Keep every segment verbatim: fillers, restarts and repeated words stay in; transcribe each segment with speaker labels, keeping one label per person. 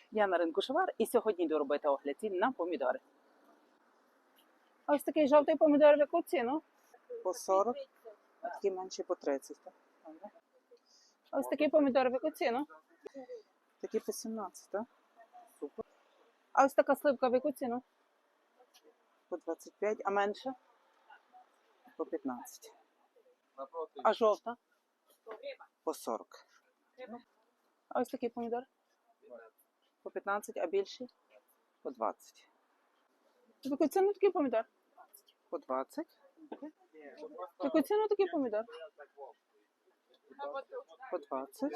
Speaker 1: Я на ринку Шовар і сьогодні йду робити огляд цін на помідори. Ось такий жовтий помідор в яку ціну?
Speaker 2: По сорок, а такі менші по тридцять. так? Добре.
Speaker 1: Ось такий помідор в яку ціну?
Speaker 2: Такі по сімнадцять, так? Супер.
Speaker 1: А ось така сливка в яку ціну?
Speaker 2: По двадцять п'ять,
Speaker 1: А менше?
Speaker 2: по п'ятнадцять.
Speaker 1: А жовта?
Speaker 2: По сорок.
Speaker 1: А ось такий помідор?
Speaker 2: По п'ятнадцять, а більші? По двадцять.
Speaker 1: В яку ціну такий помідор?
Speaker 2: По двадцять.
Speaker 1: В яку ціну такий помідор?
Speaker 2: По двадцять.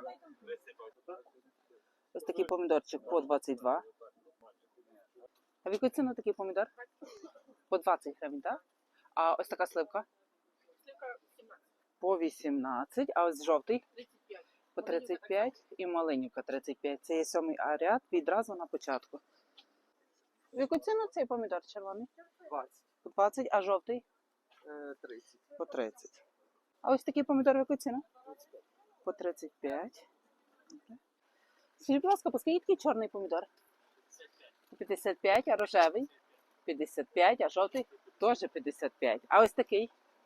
Speaker 1: Ось такий помідорчик по двадцять два. А в яку ціну такий помідор? По двадцять гривень, так? А ось така сливка? По вісімнадцять. А ось жовтий? По тридцять п'ять і маленька тридцять п'ять. Це є сьомий ряд відразу на початку. В яку ціну цей помідор червоний?
Speaker 2: двадцять.
Speaker 1: По двадцять, а жовтий?
Speaker 2: тридцять. По тридцять.
Speaker 1: А ось такий помідор в яку ціну?
Speaker 2: По тридцять п'ять.
Speaker 1: Скажіть, будь ласка, по скільки такий чорний помідор? п'ятдесят п'ять, а рожевий? п'ятдесят п'ять, а жовтий? Теж п'ятдесят п'ять. А ось такий?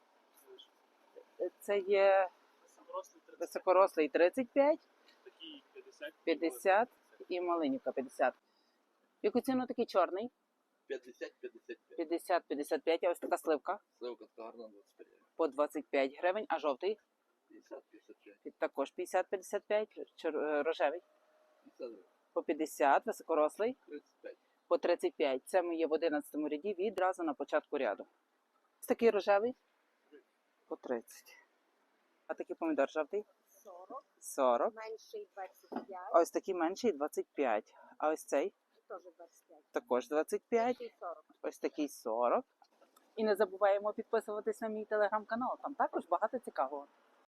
Speaker 1: Це є високорослий тридцять п'ять, п'ятдесят і маленька п'ятдесят. В яку ціну такий чорний?
Speaker 3: п'ятдесят п'ятдесят п'ять.
Speaker 1: п'ятдесят п'ятдесят п'ять, а ось така сливка?
Speaker 3: Сливка гарна двадцять п'ять.
Speaker 1: По двадцять п'ять гривень, а жовтий?
Speaker 3: п'ятдесят п'ятдесят п'ять.
Speaker 1: І також п'ятдесят п'ятдесят п'ять, чор- е, рожевий?
Speaker 3: п'ятдесят
Speaker 1: По п'ятдесят, високорослий?
Speaker 3: тридцять п'ять.
Speaker 1: По тридцять п'ять. Це ми є в одинадцятому ряді відразу на початку ряду. Ось такий рожевий?
Speaker 2: По тридцять.
Speaker 1: А такий помідор жовтий?
Speaker 4: сорок,
Speaker 1: сорок.
Speaker 4: менший двадцять п'ять,
Speaker 1: А ось такий менший двадцять п'ять. А ось цей
Speaker 4: теж двадцять п'ять,
Speaker 1: також двадцять п'ять.
Speaker 4: більший сорок.
Speaker 1: Ось такий сорок. І не забуваємо підписуватись на мій телеграм-канал. Там також багато цікавого.